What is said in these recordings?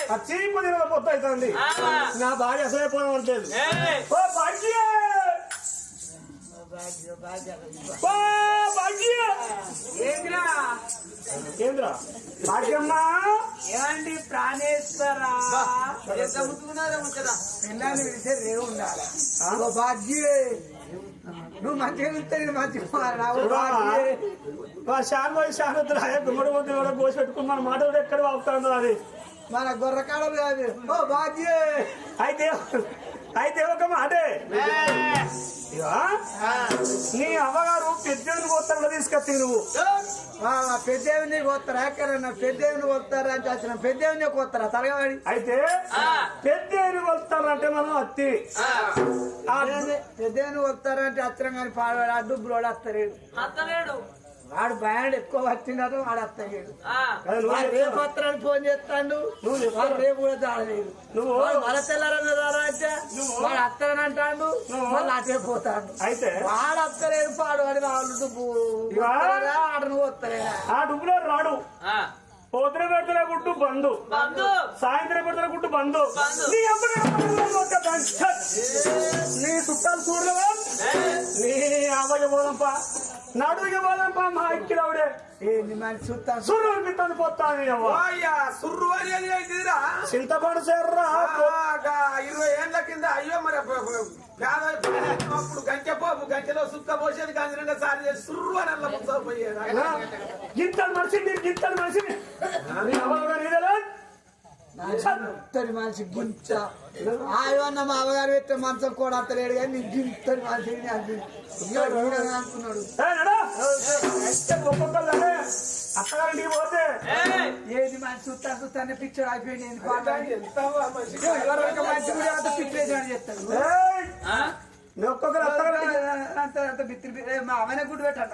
చీపు తిన పొత్తు అవుతుంది నా భార్య అసలే పోవడం అంటలేదు ఓ భాగ్య ఏంద్రా భాగ్యమ్మా ఏమండి ప్రాణేశ్వరా పిల్లల్ని విడితే రేవు ఉండాలి భాగ్యే నువ్వు మంచిగా ఉంటే నేను మంచిగా శాన్ పోయి శాన్ గుమ్మడి పోతే కూడా కోసి పెట్టుకుని మన మాట కూడా ఎక్కడ వాపుతాడు అది మన గొర్రకాలం కాదు ఓ భాగ్యే అయితే ఒక మాటే నీ అవ్వగారు పెద్దవిని కోస్తారా తీసుకొచ్చి నువ్వు పెద్దవిని కోస్తారా ఎక్కడన్నా పెద్దవిని కోస్తారా అని వచ్చిన పెద్దవిని కోస్తారా తరగవాడి అయితే పెద్దవిని కొలుస్తారంటే మనం అత్తి పెద్దవిని కొలుస్తారంటే అత్తరం కానీ పాడవాడు అడ్డు బ్రోడ్ వస్తలేడు వాడు భయాడు ఎక్కువ వచ్చినాడు వాడు వస్తలేడు రేపు వస్తారని ఫోన్ చేస్తాడు వాడు రేపు కూడా చాలలేదు నువ్వు మళ్ళ తెల్లారని అంటే వాడు వస్తారని అంటాడు మళ్ళీ అటే పోతాడు అయితే వాడు వస్తలేదు పాడు వాడి వాళ్ళు డుబ్బు ఆడను వస్తలేదా ఆ డుబ్బులో రాడు పొద్దున పెడుతున్న గుట్టు బంధు సాయంత్రం పెడుతున్న గుట్టు బంధు నీ చుట్టాలు చూడలేవా నీ ఆవయ్య పోదంపా నడుగు పోదంపా మా ఎక్కిరావుడే సుర్రు అనిపిస్తుంది పోతాను సుర్రు అనేది ఏంటిదిరా చింతపండు చేర్రా 20 ఏళ్ల కింద అయ్యో మరి అప్పుడు గంచె పోపు గంచెలో సుక్క పోసేది గంజరంగా సారి చేసి సుర్రు అని అలా పోయేది గింతలు మనిషిని గింతలు మనిషిని మనిషి గింత ఆయన్న మా అవగారు పెట్టే మంచం కూడా అంతలేడు కానీ నీ గింతని మనిషిని అనుకున్నాడు అత్తగారింటికి పోతే ఏది మనిషి చూస్తానే పిక్చర్ అయిపోయింది మంచి కూడా అంత పిక్చర్ అని చెప్తాడు ఒక్కొక్కరు అంత బిత్తి మా అవనే గుడ్డు పెట్టండి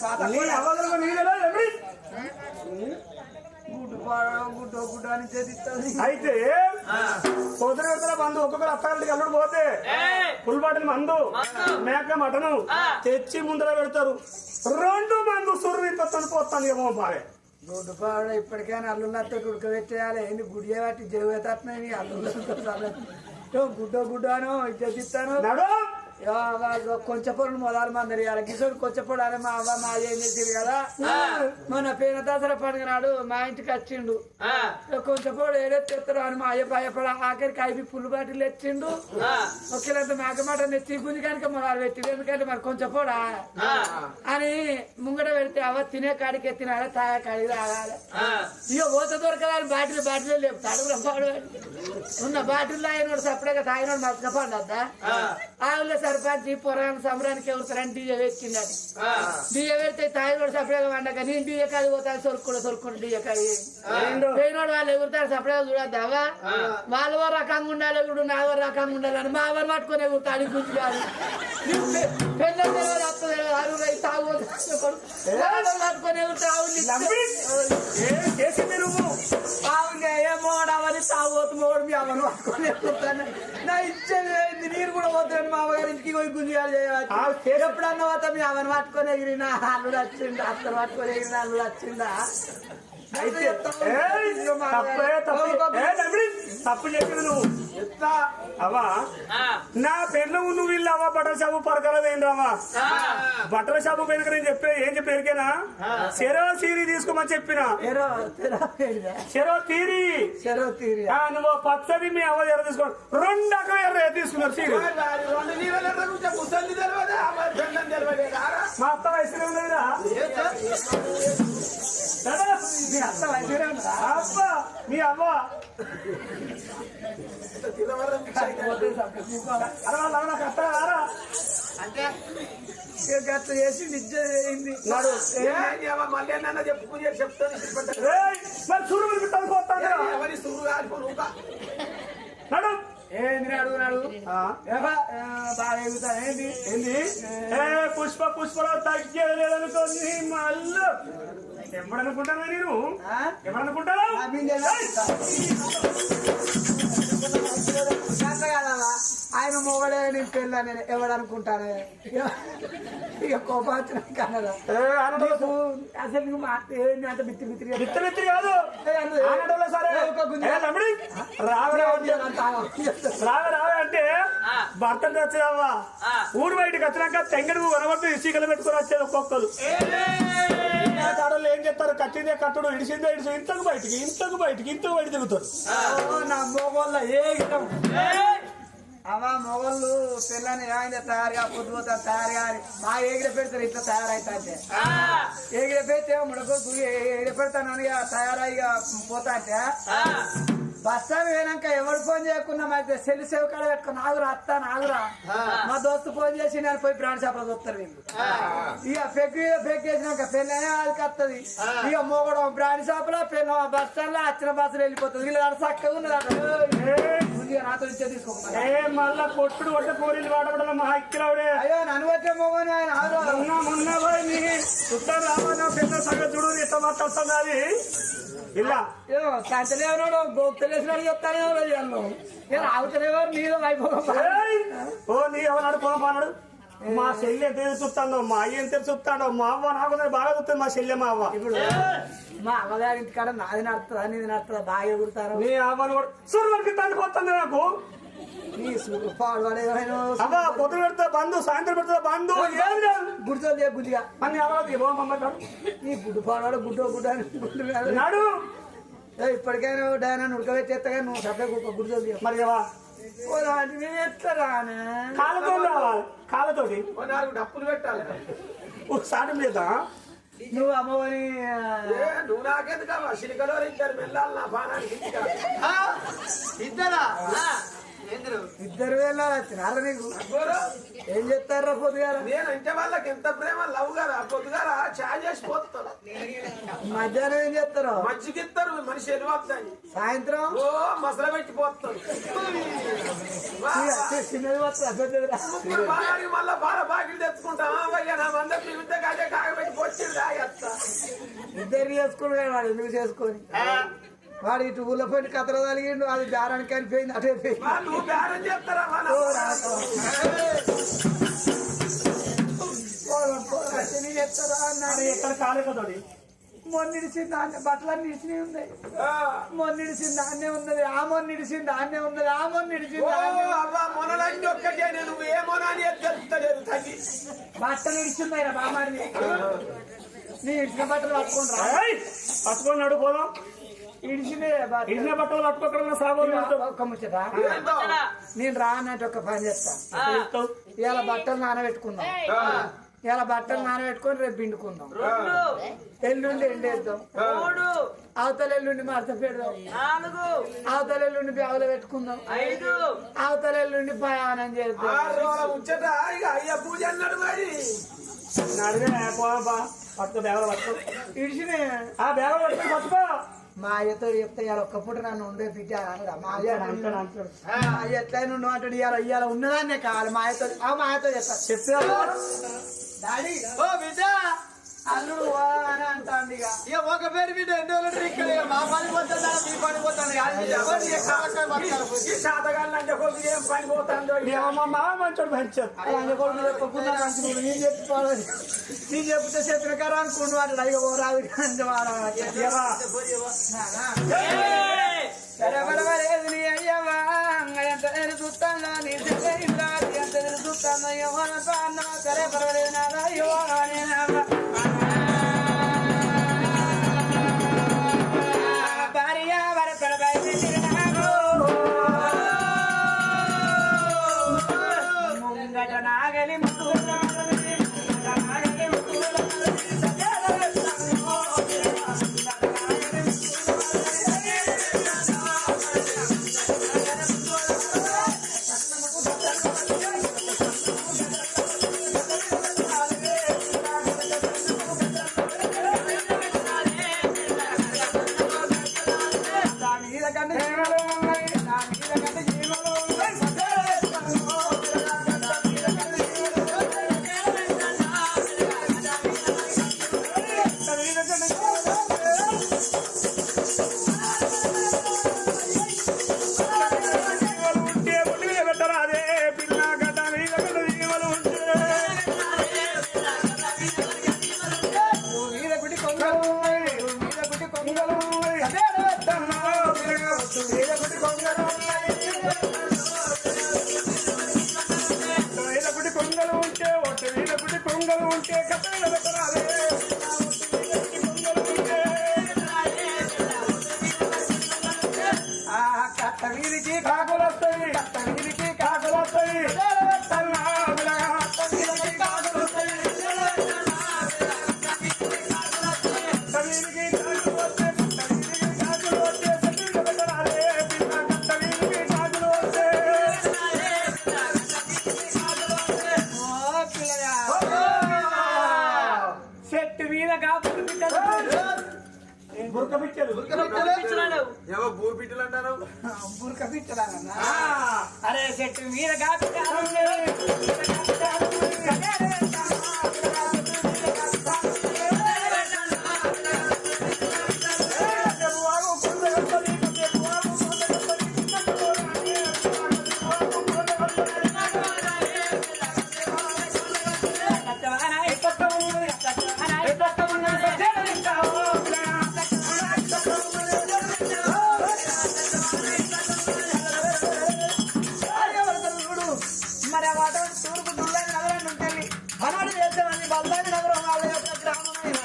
గుడ్డు అని చేతిస్తుంది అయితే పొద్దున బంధు ఒక్కొక్కరు అత్తగారింటికి అల్లుడు పోతే ఫుల్ బాటిల్ మందు మేక మటను తెచ్చి ముందర పెడతారు 2 మందు సుర్రి పోతాను ఏమో బాగా గుడ్డు పాడు ఇప్పటికైనా అల్లుళ్ళతో ఉడకబెట్టేయాలి ఏంటి గుడి బట్టి జరుగుతున్నాయి అల్లుళ్ళతో గుడ్డ అనో చేతిస్తాను కొంచెం పొడు మొదలు మందరి కిషోర్ కొంచెం పొడు అని మా అవ్వ మా ఏం చేసింది కదా మొన్న పేన దసరా పండుగ నాడు మా ఇంటికి వచ్చిండు కొంచెం పొడు ఏడెత్తారు అని మా అయ్య భయపడ ఆఖరికి అయిపోయి పుల్లు బాటిల్ తెచ్చిండు ఒకేలంత మేకమాట తెచ్చి గుంజి కనుక మొదలు పెట్టిండు ఎందుకంటే మరి కొంచెం పొడా అని ముంగట పెడితే అవ్వ తినే కాడికి ఎత్తినాడు తాగే కాడికి రాగాలి ఇక ఓత దొరకదని బాటిల్ లేపుతాడు ఉన్న బాటిల్లో అయినోడు సపరేట్గా తాగినోడు మర్చిపోండి అద్దా ఆవుల్లో సర్పంచ్ పొరాన్ని సంబరానికి ఎవరుతారని డీజే పెట్టిందని డీజే పెడితే తాగినోడు సపరేట్గా వండక నేను డీజే కాదు పోతాను సొరుకుడు డీజే కాదు పోయినోడు వాళ్ళు ఎగురుతారు సపరేట్గా చూడద్దావా వాళ్ళు రకంగా ఉండాలి ఎగుడు నా రకంగా ఉండాలని మా ఎవరు పట్టుకొని ఎగురుతాడు గుర్తు కాదు పెళ్ళ పట్టుకొని ఎగురుతా ఏమో అవన్నీ తాగోతు మోడు మీ అవన్నీ పట్టుకొని ఎగురుతాను నా ఇచ్చేది నీరు కూడా పోతాను మా అవగారి ఇంటికి పోయి గుంజాలు చేయవచ్చు ఎప్పుడన్నా పోతా మీ అవన్నీ పట్టుకొని ఎగిరినా అల్లుడు వచ్చిందా అత్తను పట్టుకొని ఎగిరినా అల్లుడు వచ్చిందా తప్పు చెప్పిన నువ్వు అవా నా పెళ్ళ నువ్వు వీళ్ళు అవ్వ బట్టల షాపు పరకలదేంద్రావా బట్టల షాపు పెనుక నేను ఏం చెప్పి ఎరికేనా చెరో తీరి తీసుకోమని చెప్పిన చెరో తీరి నువ్వు పచ్చది మీ అవ్వ ఎర్ర తీసుకో 2 రకాల ఎర్ర తీసుకున్నారు తీరి మా అత్త వయసులో ఉన్నదిరా మీ అత్త వయసులో అవ్వ మీ అవ్వ అంటే గట్ల చేసి నిజ చేయింది మళ్ళీ అన్న చెప్పుకుని చెప్తాను ఎవరి సురు కాదు ఏంది అడుగునాడు బాగా ఎగుతా ఏంది ఏంది పుష్పరావు తగ్గేదనుకోండి మళ్ళీ ఎవడనుకుంటానా నేను ఎవడనుకుంటానా ఆయన మొగడే నేను పెళ్ళా నేను ఎవడనుకుంటానే ఇక కోపాచన కన్నదా అసలు అంత బిత్తి కాదు సరే రావే అంటే భర్త వచ్చావా ఊరు బయటకు వచ్చినాక తెంగడు వనవద్దు ఇసుకలు పెట్టుకుని వచ్చేది ఒక్కొక్కరు ఏం చెప్తారు కట్టిందే కట్టుడు ఇడిసిందే ఇడిసి ఇంతకు బయటికి తిరుగుతారు నా మొగోళ్ళ ఏ అమ్మా మొగోళ్ళు పిల్లని ఏమైంది తయారుగా పొద్దుపోతారు తయారుగా మా ఎగిరి పెడతారు ఇట్లా తయారైతే ఎగిరి పెడితే ముడకొద్దు ఎగిరి పెడతానని తయారైగా పోతా అంటే బస్ స్టాండ్ పోయినాక ఎవరు ఫోన్ చేయకున్నా అయితే సెల్ సేవ్ కాడ పెట్టుకుని ఆగురా మా దోస్తు ఫోన్ చేసి నేను పోయి బ్రాండ్ షాప్ లో చూస్తారు వీళ్ళు ఇక ఫెక్ చేసినాక పెళ్ళి అది వస్తుంది ఇక మోగడం బ్రాండ్ షాప్ లో పెళ్ళి బస్ స్టాండ్ లో వచ్చిన బస్సులు వెళ్ళిపోతుంది వీళ్ళు చక్కగా ఉన్నది నాతో ఇచ్చే తీసుకోవాలి మళ్ళా కొట్టుడు కొట్ట పోరీలు వాడబడ మా ఇక్కడే అయ్యో నన్ను వచ్చే మోగని ఆయన మొన్న చుట్టాలు రావన్నా పెద్ద సంగతి చూడు ఇట్లా మాట్లాడుతున్నది ఇలా కంచలేవనాడు గోప్తలేసినాడు చెప్తానే నేను ఆగుతలేవారు నీళ్ళు అయిపోయి నీ ఎవరు పోనాడు మా చెల్లి ఎంత చూస్తాడో మా అయ్య ఎంత చూస్తాడో మా అవ్వ నాకు బాగా చూస్తుంది మా చెల్లె మా అవ్వ ఇప్పుడు మా అమ్మగారి ఇంటికాడ నాది నడుతుందా నీది నడుతుందా బాగా ఎగురుతారు నీ అవ్వను కూడా సూర్యుడికి తండ్రిపోతుంది నాకు నీ పాడువాడేమైనా అవ్వ పొద్దు పెడతా బంధు సాయంత్రం పెడతా బంధు గుడితో గుడ్డిగా అన్ని అవ్వదు నీ గుడ్డు పాడువాడు గుడ్డు అని గుడ్డు నాడు ఇప్పటికైనా డైనా ఉడకబెట్టేస్తా నువ్వు సభ్య గుడితో మరి ఎట్లా రానే కాళ్ళతో రావాలి కాళ్ళతోటి డప్పులు పెట్టాలి సాటి మీద నువ్వు అమ్మని నువ్వు నాకెందుకమ్మా సిలికలో ఇద్దరు వెళ్ళాలి నా బాణానికి ఇద్దరు వెళ్ళాలి తినాలి నీకు ఏం చెప్తారా పొద్దుగాల నేను ఇంటి వాళ్ళకి ఎంత ప్రేమ లవ్ కదా పొద్దుగాల చాయ్ చేసి పోతారు మధ్యాహ్నం ఏం చేస్తారు మంచిగిస్తారు మనిషి వెళ్ళిపోతాయి సాయంత్రం ఓ మసల పెట్టి పోతారు చిన్నది వస్తా బాగా మళ్ళా బాగా బాగిలు తెచ్చుకుంటాం అయ్యా నా మందరికి ఇంత కాదే కాగబెట్టి పోచ్చింది రాయత్త ఇద్దరు చేసుకుని వాడు ఎందుకు చేసుకొని వాడు ఇటు ఊళ్ళో పోయి కథలు తలిగిండు అది బేరానికి అనిపోయింది అటే నువ్వు బేరం చేస్తారా చెప్తారా అన్నాడు ఎక్కడ కాలేకతోటి మొన్నిడిసింది దాన్ని బట్టలన్నీ ఇడిచినవి ఉన్నాయి మొన్నిడిసింది దాన్నే ఉన్నది ఆ మొన్నిడిసింది దాన్నే ఉన్నది ఆ మొన్నిడిసింది మొనలన్నీ ఒక్కటే నువ్వు ఏ మొనాన్ని తెలుస్తలేదు తల్లి బట్టలు ఇడిచింది ఆయన బామాడిని నీ ఇడిచిన బట్టలు పట్టుకున్నాడు పోదాం ఇడిచిన బట్టలు పట్టుకోకుండా సాబోలు ఒక్క ముచ్చట నేను రా అన్నట్టు ఒక పని చేస్తాను ఇవాళ బట్టలు నానబెట్టుకుందాం ఇలా బట్టలు నానబెట్టుకొని రేపు పిండుకుందాం ఎల్లుండి ఎండేద్దాం అవతల ఎల్లుండి మడత పెడదాం అవతల ఎల్లుండి బ్యాగులో పెట్టుకుందాం అవతల ఎల్లుండి ప్రయాణం చేద్దాం పూజ అన్నాడు మరి పట్టుకో బ్యాగులో పట్టుకో ఇడిచిన ఆ బ్యాగులో పట్టుకొని పట్టుకో మా అయ్యతో చెప్తే ఇవాళ ఒక్కప్పుడు నన్ను ఉండే బిడ్డ అనడా మా అయ్య అంటాడు మా అయ్య ఎట్లయినా ఉండు అంటాడు ఇవాళ ఉన్నదాన్నే కావాలి మా అయ్యతో చెప్తా డాడీ ఓ బిడ్డ అల్లుడు అని అంటాండి ఇక ఒక పేరు బిడ్డ ఎన్నో ఇక్కడ మా పని పోతుందా మీ పని పోతుంది శాతగాళ్ళంటే కొద్దిగా ఏం పని పోతుందో మా మామ మంచోడు మంచాడు నేను చెప్పుకోవాలి నేను చెప్తే చెప్పిన కదా అనుకుంటు వాడు అయ్యో రాదు లేదు నీ అయ్యవా ఎంత చూస్తాను నీ ఎంత చూస్తాను అయ్యో సరే పర్వాలేదు నాదా అయ్యో భార్య భర్తల ముంగట నాగలి వేలకుటి కొంగలు ఉన్నాయి వేలకుటి కొంగలు ఉంటే ఒట్టు వేలకుటి కొంగలు ఉంటే కథలు పెట్టరాలే కట్ట వీరికి కాకులు వస్తాయి కట్ట వీరికి కాకులు వస్తాయి చెట్టు మీద కాపులు బురక పిచ్చలు ఏమో భూమి పిట్టలు అంటారు బురక పిచ్చలాగన్నా అరే చెట్టు మీద కాపు మరి ఆ వాతావరణం తూర్పు దుల్లాని నగరాన్ని ఉంటుంది మనవాడు చేద్దామని బల్లాని నగరం వాళ్ళ యొక్క గ్రామమైన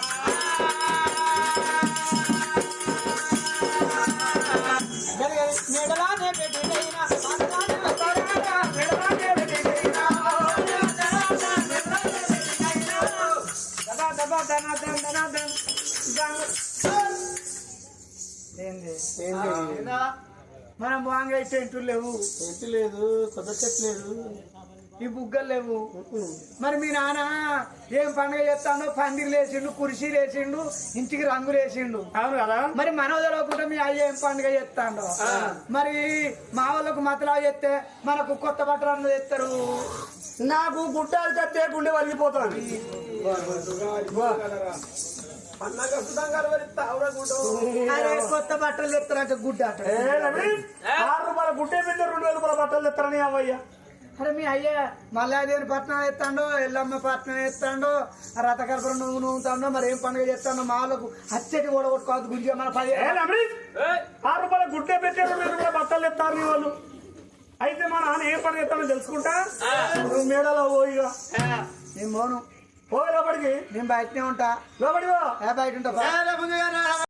మెడలానే పెట్టినైనా మనం బాగా టెంట్లు లేవు చెట్టు లేదు కొత్త చెట్టు లేదు ఈ బుగ్గలు లేవు మరి మీ నాన్న ఏం పండుగ చేస్తాడో పందిరి లేచిండు కుర్చీలు వేసిండు ఇంటికి రంగులు వేసిండు అవును కదా మరి మనం తెలియకుండా మీ అయ్య ఏం పండుగ చేస్తాడో మరి మా వాళ్ళకు మతలా చేస్తే మనకు కొత్త బట్టలు తెస్తారు నాకు గుట్టాలు కట్టే గుండె వలిగిపోతాను అన్నగా సుతంగా అరే కొత్త బట్టలు తెస్తారంటే గుడ్డ అంట 6 రూపాయల గుడ్డే పెట్టి 2 రూపాయల బట్టలు తెస్తారని అవయ్య అరే మీ అయ్య మల్లాదేవి పట్నం ఎత్తాడో ఎల్లమ్మ పట్నం ఎత్తాడో రథకల్పన నువ్వు నూతాడో మరి ఏం పండుగ చేస్తాడో మా వాళ్ళకు అచ్చటి ఓడగొట్టుకోవద్దు గుంజ మన 10 6 రూపాయల గుడ్డే పెట్టి 2 రూపాయల బట్టలు తెస్తారు నీ వాళ్ళు అయితే మా నాన్న ఏం పని చేస్తానో తెలుసుకుంటా నువ్వు మేడలో పోయిగా నేను పోను పోయి లోపలికి నేను బయటనే ఉంటా లోపలికి బయట ఉంటా